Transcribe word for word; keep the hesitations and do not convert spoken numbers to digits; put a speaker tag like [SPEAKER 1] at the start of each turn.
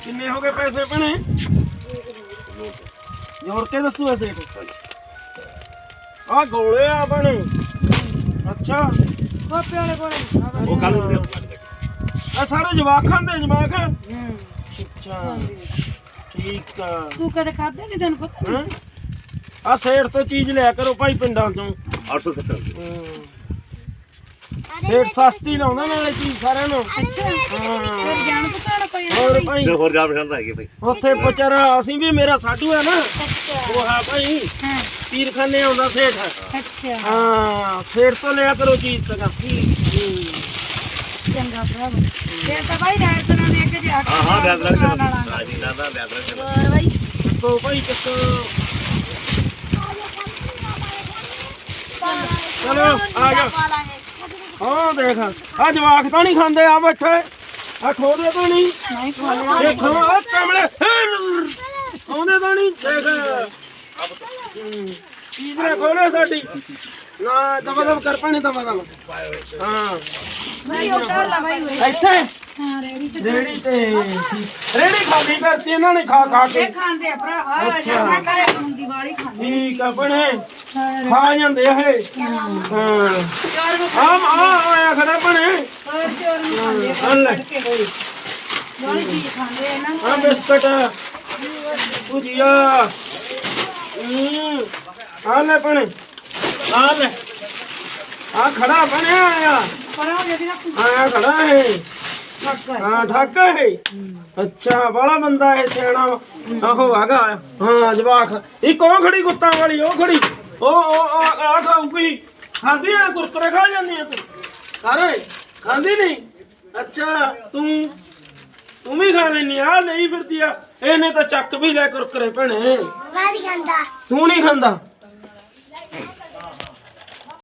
[SPEAKER 1] ਕਿੰਨੇ ਹੋ ਗਏ ਪੈਸੇ ਭੈਣੇ? ਜੋੜ ਕੇ ਦੱਸੋ ਐਸੇ ਆ ਗੋਲੇ ਆ ਭੈਣੇ। ਅੱਛਾ
[SPEAKER 2] ਗੋਪੇ ਵਾਲੇ ਕੋਲੇ
[SPEAKER 3] ਉਹ ਕੱਲ ਨੂੰ
[SPEAKER 1] ਆ ਸਾਰੇ ਜਵਾਕਾਂ ਦੇ ਜਵਾਕ। ਅੱਛਾ ਠੀਕ ਆ।
[SPEAKER 2] ਤੂੰ ਕਦੇ ਖਾਦੇ ਨਹੀਂ ਤੈਨੂੰ ਪਤਾ?
[SPEAKER 1] ਹੈਂ? ਆ ਸੇਠ ਤੋਂ ਚੀਜ਼ ਲਿਆ ਕਰੋ ਭਾਈ ਪਿੰਡਾਂ ਤੋਂ।
[SPEAKER 3] ਅੱਠ ਸੌ ਸੱਤਰ
[SPEAKER 1] ਸੇਠ ਸਸਤੀ ਲਾਉਂਦਾ ਨਾਲੇ ਚੀਜ਼ ਸਾਰਿਆਂ ਨੂੰ।
[SPEAKER 2] ਅੱਛਾ
[SPEAKER 1] ਹਾਂ
[SPEAKER 2] ਫਿਰ ਜਾਣ ਪਛਾਣ ਕੋਈ
[SPEAKER 1] ਹੋਰ ਭਾਈ
[SPEAKER 3] ਤੇ ਹੋਰ ਜਾਣ ਪਛਾਣ ਤਾਂ ਹੈਗੇ ਭਾਈ।
[SPEAKER 1] ਉੱਥੇ ਵਿਚਾਰਾ ਅਸੀਂ ਵੀ ਮੇਰਾ ਸਾਡੂ ਹੈ ਨਾ
[SPEAKER 2] ਅੱਛਾ
[SPEAKER 1] ਉਹ ਹੈ ਭਾਈ
[SPEAKER 2] ਹਾਂ
[SPEAKER 1] ਪੀਰਖਾਨੇ ਆਉਂਦਾ ਸੇਠ।
[SPEAKER 2] ਅੱਛਾ
[SPEAKER 1] ਹਾਂ ਸੇਠ ਤੋਂ ਲਿਆ ਕਰੋ ਚੀਜ਼ ਸਗਾ।
[SPEAKER 2] ਚੰਗਾ ਭਰਾ ਫਿਰ ਤਾਂ ਭਾਈ ਰਾਤ ਤਰ੍ਹਾਂ ਦੇ ਅੱਗੇ ਜਾ ਕੇ
[SPEAKER 3] ਹਾਂ ਹਾਂ ਬਿਆਦ ਰੱਖ
[SPEAKER 2] ਨਾਲ
[SPEAKER 3] ਦੇ ਹਾਂ ਜੀ ਨਾ ਨਾ ਬਿਆਦ ਰੱਖ ਦੇ
[SPEAKER 2] ਹੋਰ ਭਾਈ
[SPEAKER 1] ਕਿੱਥੋਂ ਭਾਈ ਕਿੱਥੋਂ? ਚਲੋ ਆ ਜਾ। ਹਾਂ ਦੇਖ ਆ ਜਵਾਕ ਤਾਂ ਨਹੀਂ ਖਾਂਦੇ ਆ ਬੈਠੇ ਆ ਖੋਦੇ ਤਾਂ ਨਹੀਂ
[SPEAKER 2] ਨਹੀਂ ਖਾ ਲਿਆ
[SPEAKER 1] ਦੇਖੋ ਆ ਕਮਲੇ ਆਉਂਦੇ ਤਾਂ ਨਹੀਂ ਦੇਖ ਚੀਜ਼ ਨੇ ਖੋਲੇ ਸਾਡੀ ਨਾ ਦਬਾ ਦਬ ਕਰ ਪਾਣੀ ਦਬਾ ਦਬ। ਹਾਂ
[SPEAKER 2] ਨਹੀਂ ਉਹ ਤਾਂ ਲਾ ਭਾਈ ਹੋਏ
[SPEAKER 1] ਇੱਥੇ
[SPEAKER 2] ਹਾਂ ਰੇੜੀ ਤੇ
[SPEAKER 1] ਰੇੜੀ ਤੇ ਰੇੜੀ ਖਾਲੀ ਕਰਤੀ ਇਹਨਾਂ ਨੇ ਖਾ ਖਾ ਕੇ।
[SPEAKER 2] ਇਹ ਖਾਂਦੇ ਆ ਭਰਾ ਆ ਜਾ ਮੈਂ ਕਰੇ ਹੁੰਦੀ ਵਾਲੀ ਖਾਂਦੇ
[SPEAKER 1] ਠੀਕ ਆ ਬਣੇ ਖਾ ਜਾਂਦੇ ਆ ਇਹ। ਹਾਂ
[SPEAKER 2] ਚੋਰ ਨੂੰ
[SPEAKER 1] ਆਮ ਆ ਆਇਆ ਖੜਾ ਬਣੇ
[SPEAKER 2] ਹੋਰ ਚੋਰ ਨੂੰ ਖਾਂਦੇ ਆ
[SPEAKER 1] ਲੈ
[SPEAKER 2] ਵਾਲੀ ਚੀਜ਼ ਖਾਂਦੇ ਆ ਨਾ
[SPEAKER 1] ਆ ਬਿਸਕਟ ਭੁਜੀਆ ਹੂੰ ਆ ਲੈ ਬਣੇ ਆ ਲੈ ਆ ਖੜਾ ਬਣਿਆ ਆ
[SPEAKER 2] ਪਰ ਉਹ ਜਿਹੜੀ ਨਾ
[SPEAKER 1] ਆਇਆ ਖੜਾ ਹੈ।
[SPEAKER 2] ਫੱਕਰ
[SPEAKER 1] ਹਾਂ ਠਾਕਾ ਹੈ। ਅੱਛਾ ਬਾਲਾ ਬੰਦਾ ਇਹ ਸਿਆਣਾ ਆਹੋ ਹੈਗਾ। ਹਾਂ ਜਵਾਕ ਇੱਕ ਉਹ ਖੜੀ ਕੁੱਤਾਂ ਵਾਲੀ ਉਹ ਖੜੀ ਉਹ ਉਹ ਆ ਖਾਊਗੀ ਖਾਂਦੀ ਆ ਕੁਰਕਰੇ ਖਾ ਜਾਂਦੀ ਆ ਤੂੰ ਸਾਰੇ ਖਾਂਦੀ ਨਹੀਂ। ਅੱਛਾ ਤੂੰ ਤੂੰ ਵੀ ਖਾ ਲੈਨੀ ਆ ਲਈ ਫਿਰਦੀ ਆ। ਇਹਨੇ ਤਾਂ ਚੱਕ ਵੀ ਲੈ ਕੁਰਕਰੇ ਭੈਣੇ।
[SPEAKER 4] ਵਾਰੀ ਖਾਂਦਾ
[SPEAKER 1] ਤੂੰ ਨਹੀਂ ਖਾਂਦਾ